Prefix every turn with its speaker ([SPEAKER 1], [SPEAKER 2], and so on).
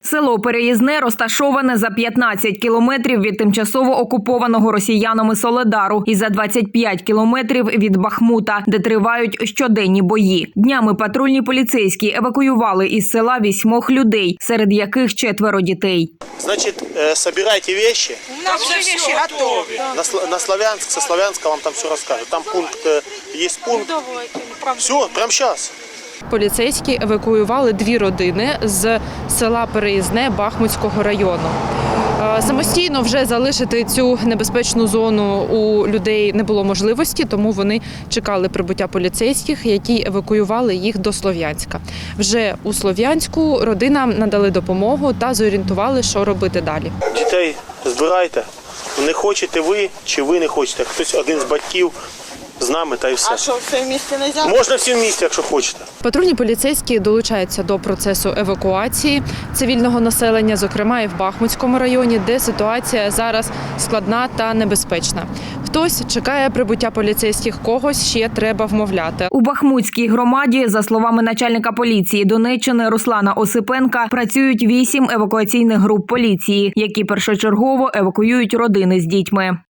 [SPEAKER 1] Село Переїзне розташоване за 15 кілометрів від тимчасово окупованого росіянами Соледару і за 25 кілометрів від Бахмута, де тривають щоденні бої. Днями патрульні поліцейські евакуювали із села 8 людей, серед яких 4 дітей.
[SPEAKER 2] Значит, собирайте вещи.
[SPEAKER 3] У нас уже вещи готовы.
[SPEAKER 2] На Славянск, со Славянска вам там все расскажут. Там пункт, есть пункт. Все, прямо сейчас.
[SPEAKER 4] Поліцейські евакуювали 2 родини з села Переїзне Бахмутського району. Самостійно вже залишити цю небезпечну зону у людей не було можливості, тому вони чекали прибуття поліцейських, які евакуювали їх до Слов'янська. Вже у Слов'янську родинам надали допомогу та зорієнтували, що робити далі.
[SPEAKER 2] Дітей збирайте. Не хочете ви, чи ви не хочете. Хтось один з батьків з нами, та й все.
[SPEAKER 3] А что, все вместе нельзя?
[SPEAKER 2] Можна всі в місті, якщо хочете.
[SPEAKER 4] Патрульні поліцейські долучаються до процесу евакуації цивільного населення, зокрема і в Бахмутському районі, де ситуація зараз складна та небезпечна. Хтось чекає прибуття поліцейських, когось ще треба вмовляти.
[SPEAKER 1] У Бахмутській громаді, за словами начальника поліції Донеччини Руслана Осипенка, працюють 8 евакуаційних груп поліції, які першочергово евакуюють родини з дітьми.